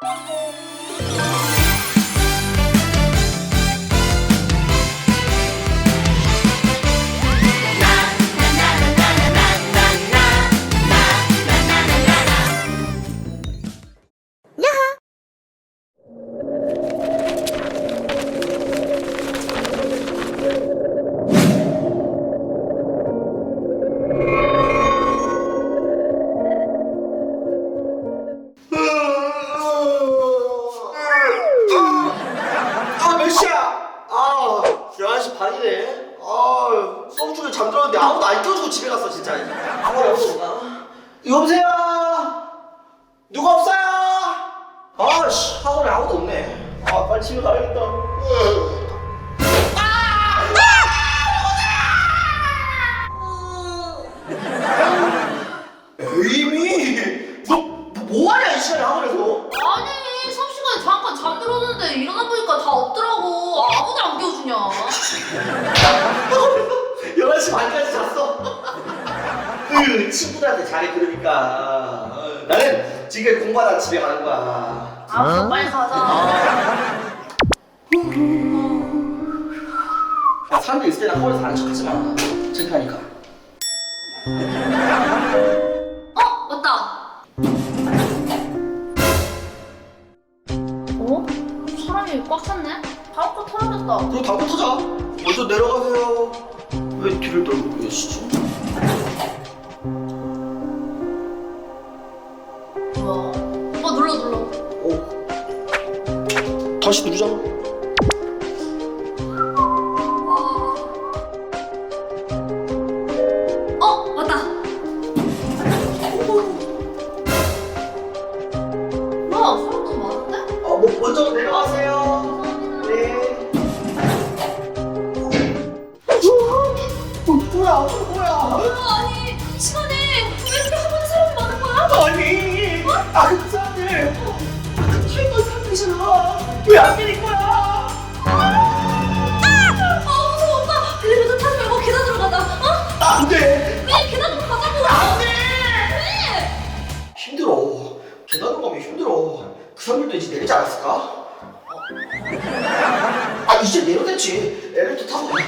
몇 시야? 11시 반이네. 수업 중에 잠들었는데 아무도 안 껴주고 집에 갔어 진짜. 학원에 아무도 없나? 여보세요? 누가 없어요? 학원에 아무도 없네. 빨리 집에 가야겠다. 에이미, 너 뭐하냐 이 시간에 학원에서? 아니 수업 시간에 잠깐 잠들었는데 일어나 보니까 다 없더라고. 아무도 안 깨워주냐. 11시 반까지 잤어. 친구들한테 잘해 그러니까. 나는 지금 공부하다 집에 가는 거야. 그럼 빨리 가자. 야, 사람들 있을 때는 학원에서 아는 척 하지 마. 창피하니까. 맞다. 사람이 꽉 찼네? 바로 털어졌다. 그럼 당구 타자. 먼저 내려가세요. 왜 뒤를 돌고 계시지? 뭐야? 오빠 눌러. 다시 누르잖아. 맞다. 뭐야? 사람 너무 많은데? 먼저 내려가세요. 네. 뭐야? 아니 시간에 왜 이렇게 학원에 사람이 많은 거야? 아니, 그 사람들 타이거 사람들이잖아. 왜 안 때릴 거야? 무서워 오빠. 엘리베이터 타지 말고 계단으로 가자. 안 돼. 왜 계단으로 가자고? 안 돼. 왜? 힘들어. 계단으로 가면 힘들어. 그 사람들도 이제 내리지 않았을까? 이제 내려댔지. 엘리베이터 타고 가.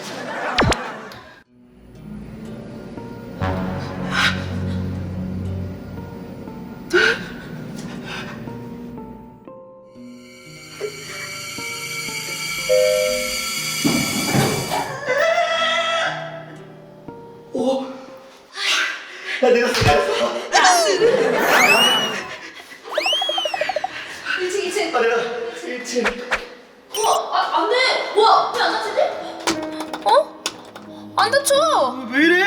나 내렸어. 1층. 나 내렸어. 1층. 안 돼. 뭐야? 왜 안 다치지? 안 다쳐. 왜 이래?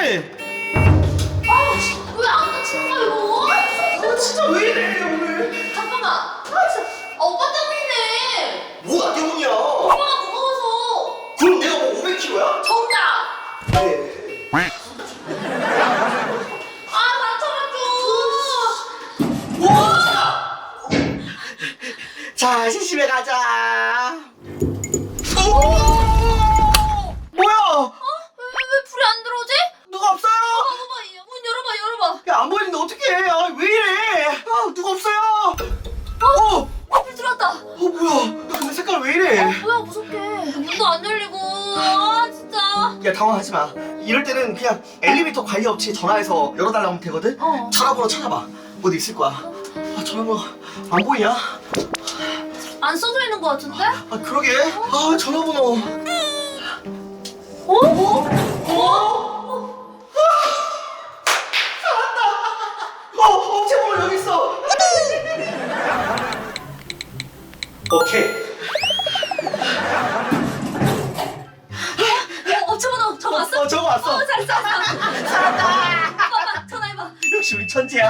왜 안 다치는 거야 이거? 진짜 왜 이래 오늘? 잠깐만. 진짜. 오빠 때문이네. 뭐가 때문이야? 오빠가 무거워서. 그럼 내가 뭐 500kg야? 정답. 네. 자, 시집에 가자. 뭐야? 왜 불이 안 들어오지? 누가 없어요? 봐봐. 문 열어봐. 야, 안 보이는데 어떡해? 왜 이래? 누가 없어요? 불 들어왔다. 뭐야? 야, 근데 색깔 왜 이래? 뭐야 무섭게. 문도 안 열리고. 진짜. 야, 당황하지 마. 이럴 때는 그냥 엘리베이터 관리 업체에 전화해서 열어달라고 하면 되거든? 전화번호 찾아봐. 어디 있을 거야. 전화번호 안 보이냐? 안 써져 있는 거 같은데? 그러게. 전화번호. 찾았다. 업체 번호 여기 있어. 오케이. 업체 번호 적어왔어? 적어왔어. 잘했어. 찾았다. 봐봐. 전화해봐. 역시 우리 천재야.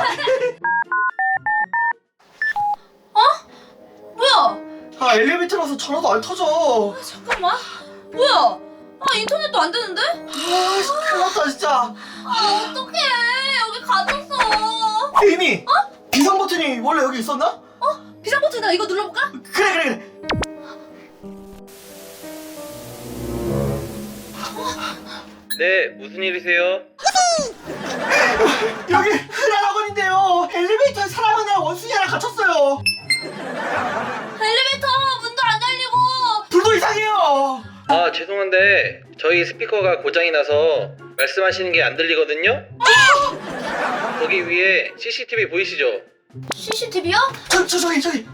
뭐야? 엘리베이터라서 전화도 안 터져. 잠깐만. 뭐야? 인터넷도 안 되는데? 큰일 났다 진짜. 어떡해. 여기 갇혔어. 에이미. 비상 버튼이 원래 여기 있었나? 비상 버튼이다. 이거 눌러볼까? 그래. 네, 무슨 일이세요? 여기 흔한 학원인데요. 엘리베이터에 사람 하나랑 원숭이 하나 갇혔어요. 죄송한데 저희 스피커가 고장이 나서 말씀하시는 게 안 들리거든요? 거기 위에 CCTV 보이시죠? CCTV야? 저기 저기다.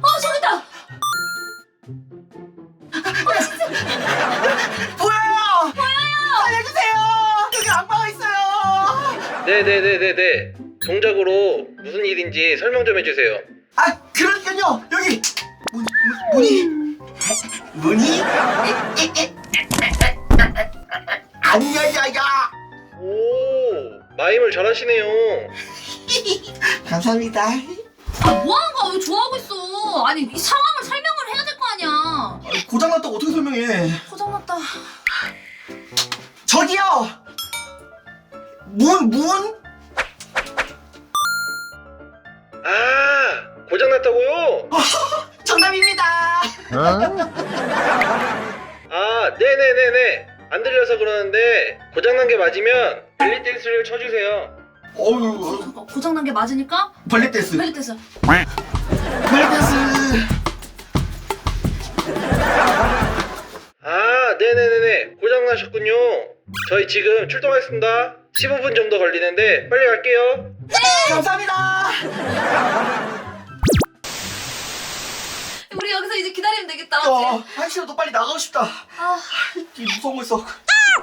보여요. 살려주세요. 여기 악마가 있어요. 네네네네네. 동작으로 무슨 일인지 설명 좀 해주세요. 아 그러니까요. 여기 문이 안 열려요. 오, 마임을 잘하시네요. 감사합니다. 아, 뭐 하는 거야? 왜 좋아하고 있어? 아니, 이 상황을 설명을 해야 될 거 아니야. 고장났다고 어떻게 설명해? 고장났다. 저기요. 문. 아, 고장났다고요? 정답입니다. 아, 네네네네. 안 들려서 그러는데 고장난 게 맞으면 벨리 댄스를 쳐주세요. 어우 고장난 게 맞으니까? 벌레 댄스. 빨리 떼서. 벌레 댄스. 아, 네네네네. 고장나셨군요. 저희 지금 출동하겠습니다. 15분 정도 걸리는데 빨리 갈게요. 감사합니다. 우리 여기서 이제 기다리면 되겠다. 한시라도 빨리 나가고 싶다. 아, 이 무서운 거 있어.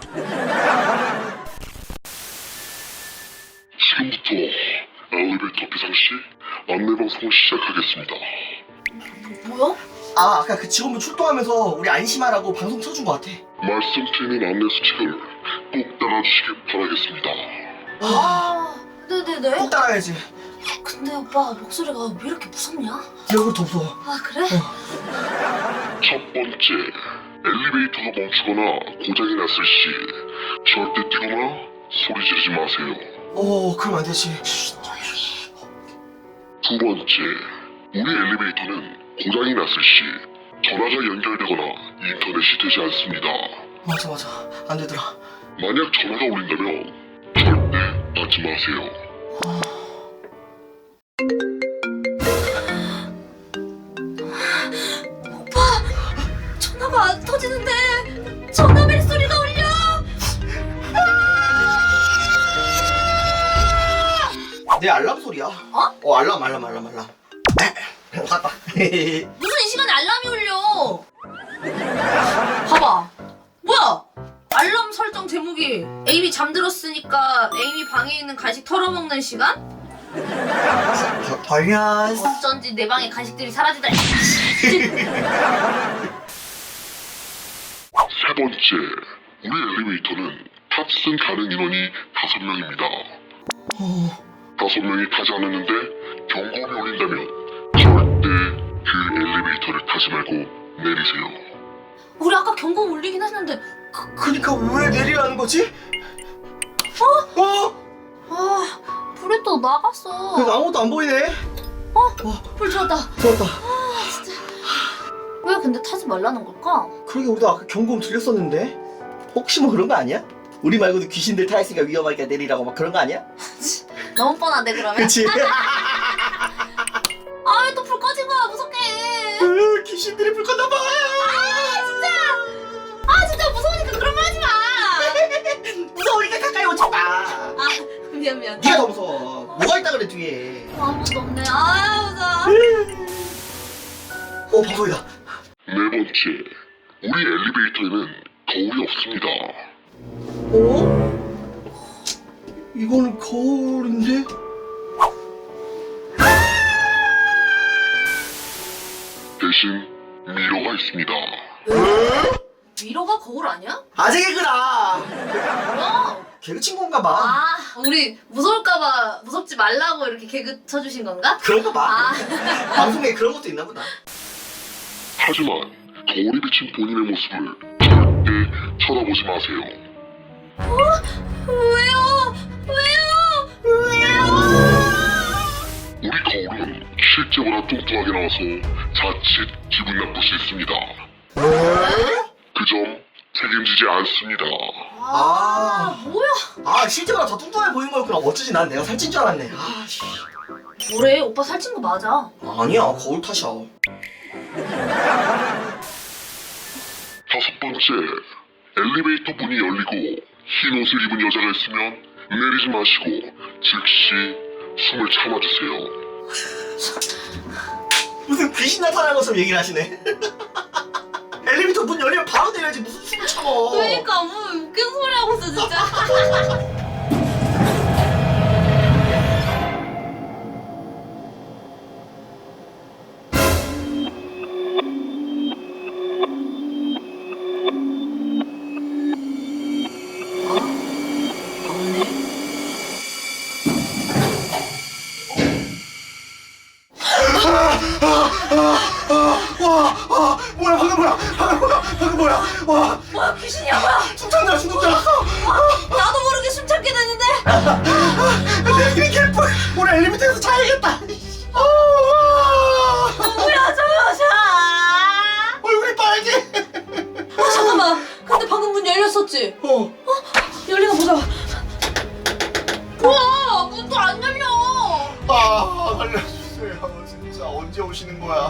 지금부터 엘리베이터 비상시 안내방송을 시작하겠습니다. 뭐야? 아 아까 그 직원분 출동하면서 우리 안심하라고 방송 쳐준 거 같아. 말씀드리는 안내 수칙을 꼭 따라주시길 바라겠습니다. 아, 네네네. 꼭 따라야지. 근데 오빠 목소리가 왜 이렇게 무섭냐? 네 얼굴 더 무서워. 아, 그래? 첫 번째, 엘리베이터가 멈추거나 고장이 났을 시 절대 뛰거나 소리 지르지 마세요. 그럼 안 되지. 두 번째, 우리 엘리베이터는 고장이 났을 시 전화가 연결되거나 인터넷이 되지 않습니다. 맞아. 안 되더라. 만약 전화가 울린다면 절대 받지 마세요. 전화가 안 터지는데 전화벨 소리가 울려. 내 알람 소리야. 알람. 갔다. 무슨 이 시간에 알람이 울려? 봐봐. 뭐야? 알람 설정 제목이 에이미 잠들었으니까 에이미 방에 있는 간식 털어먹는 시간? 벌년. 어쩐지 내 방에 간식들이 사라지다니. 세 번째, 우리 엘리베이터는 탑승 가능 인원이 5명입니다. 5명이 타지 않았는데 경고음이 울린다면 절대 그 엘리베이터를 타지 말고 내리세요. 우리 아까 경고 울리긴 했는데. 그니까 왜 내리라는 거지? 아, 불이 또 나갔어. 그래도 아무것도 안 보이네. 불 들어왔다. 좋았다. 왜 근데 타지 말라는 걸까? 그러게 우리도 아까 경고음 들렸었는데 혹시 뭐 그런 거 아니야? 우리 말고도 귀신들 타 있으니까 위험하니까 내리라고 막 그런 거 아니야? 너무 뻔한데 그러면? 그치? 아, 왜 또 불 꺼진 거야? 무섭게. 귀신들이 불 껐나 봐. 진짜 무서우니까 그런 말 하지 마. 무서우니까 가까이 오지 마. 아, 미안. 네가 더 무서워. 뭐가 있다 그래 뒤에. 아무것도 없네. 아, 무서워. 방송이다. 네 번째, 우리 엘리베이터에는 거울이 없습니다. 이거는 거울인데? 대신 미러가 있습니다. 미러가 거울 아니야? 아재 개그라. 뭐야? 개그 친구인가 봐. 아, 우리 무서울까봐 무섭지 말라고 이렇게 개그 쳐주신 건가? 그런가 봐. 아. 방송에 그런 것도 있나 보다. 하지만 거울이 비친 본인의 모습을 절대 쳐다보지 마세요. 왜요? 우리 거울은 실제보다 뚱뚱하게 나와서 자칫 기분 나쁠 수 있습니다. 그 점 책임지지 않습니다. 뭐야? 실제보다 더 뚱뚱해 보이는 거였구나. 어쩌지 난 내가 살찐 줄 알았네. 뭐래? 오빠 살찐 거 맞아. 아니야 거울 탓이야. 다섯 번째, 엘리베이터 문이 열리고 흰 옷을 입은 여자가 있으면 내리지 마시고 즉시 숨을 참아주세요. 무슨 귀신 나타나는 것처럼 얘기를 하시네. 엘리베이터 문 열리면 바로 내려야지 무슨 숨을 참어. 그러니까 뭐 웃긴 소리 하고 있어 진짜. 뭐야 방금 뭐야 와 뭐야 귀신이야 뭐야? 숨찬다 죽는 줄 알았어. 나도 모르게 숨 참게 됐는데. 내 길이 개뿔. 오늘 엘리베이터에서 자야겠다. 뭐야 저 여자? 얼굴이 빨개. 잠깐만. 근데 방금 문 열렸었지? 열리나 보자. 우와 문도 안 열려. 알려주세요. 진짜 언제 오시는 거야?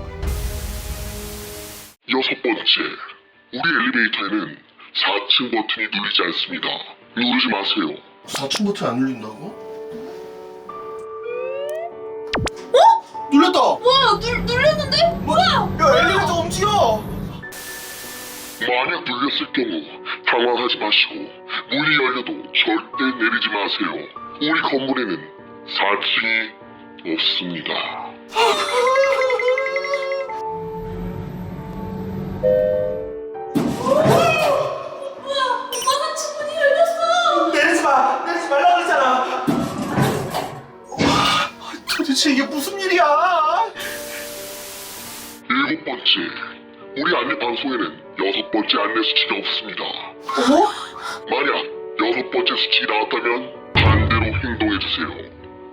6번째, 우리 엘리베이터에는 4층 버튼이 눌리지 않습니다. 누르지 마세요. 4층 버튼 안 눌린다고? 어? 눌렸다. 뭐야 눌렸는데? 뭐야? 야 엘리베이터 움직여. 만약 눌렸을 경우 당황하지 마시고 문이 열려도 절대 내리지 마세요. 우리 건물에는 4층이 없습니다. 뭐야 오빠 3층 문이 열렸어. 내리지 말라고 그랬잖아. 도대체 이게 무슨 일이야? 7번째, 우리 안내 방송에는 6번째 안내 수칙이 없습니다. 만약 6번째 수칙이 나왔다면 반대로 행동해주세요.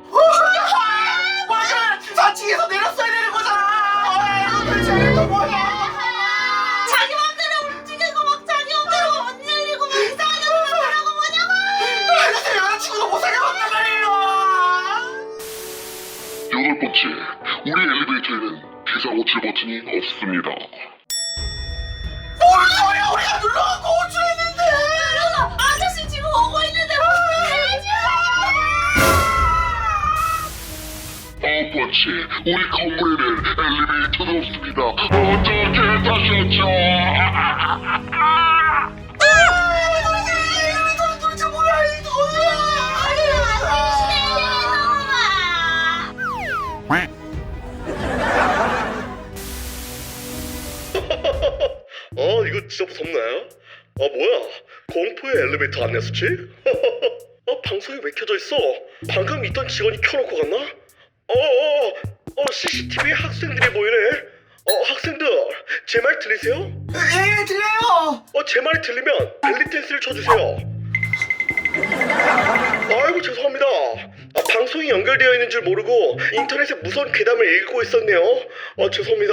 맞아! 4층에서 내렸어야 되는 거잖아! 도대체 이거 뭐야? 자기 맘대로 움직이고 막 자기 맘대로 문 열리고 막 이상하게 하라고 뭐냐고. 도대체 여자친구도 못 사귀어 왔단 말이에요! 8번째, 우리 엘리베이터에는 비상호출 버튼이 없습니다. 뭔 소리야! 우리가 눌러갖고 호출했는데! 그래서 아저씨 지금 오고 있는데 문 열지. 9번째, 우리 건물에는 엘리베이터도 없습니다. 어떻게 다셨죠? 도대체 뭐야 이거! 이거 진짜 무섭네. 뭐야? 공포의 엘리베이터 안내 수칙? 방송이 왜 켜져 있어? 방금 있던 직원이 켜놓고 갔나? CCTV에 학생들이 보이네. 학생들, 제 말 들리세요? 예, 들려요! 제 말이 들리면 벨리 댄스를 쳐주세요. 아이고 죄송합니다. 방송이 연결되어 있는 줄 모르고 인터넷에 무서운 괴담을 읽고 있었네요. 죄송합니다.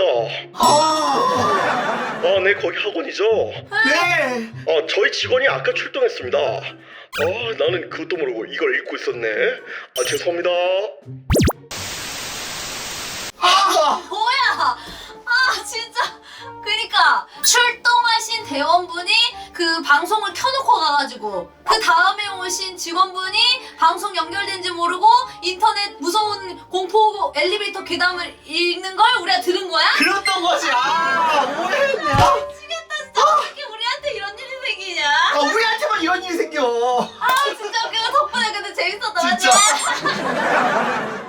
네, 거기 학원이죠? 네! 저희 직원이 아까 출동했습니다. 나는 그것도 모르고 이걸 읽고 있었네. 죄송합니다. 뭐야? 진짜. 그니까 출동하신 대원분이 그 방송을 켜놓고 가가지고 그 다음에 오신 직원분이 방송 연결된지 모르고 인터넷 무서운 공포 엘리베이터 괴담을 읽는 걸 우리가 들은 거야? 그랬던 거지! 오해했네! 미치겠다 진짜. 어떻게 우리한테 이런 일이 생기냐? 우리한테만 이런 일이 생겨! 진짜 웃겨. 덕분에 근데 재밌었다. 진짜. 맞지?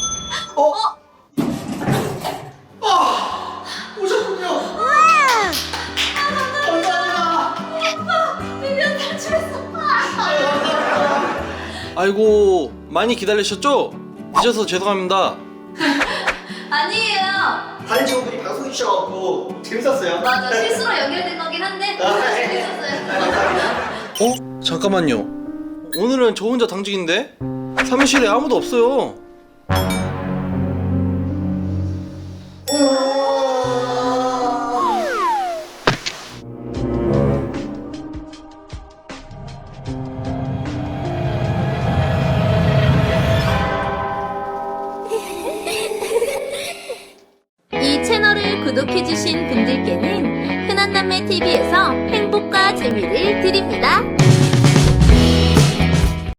오셨군요! 감사합니다! 밀려 탈출했어. 아이고 많이 기다리셨죠? 늦어서 죄송합니다. 아니에요. 다른 직원분이 방송해 주셔갖고 재밌었어요. 맞아, 실수로 연결된 거긴 한데 재밌었어요. 감사합니다. 잠깐만요. 오늘은 저 혼자 당직인데 사무실에 아무도 없어요. 이 채널을 구독해주신 분들께는 흔한 남 남매TV에서 행복과 재미를 드립니다.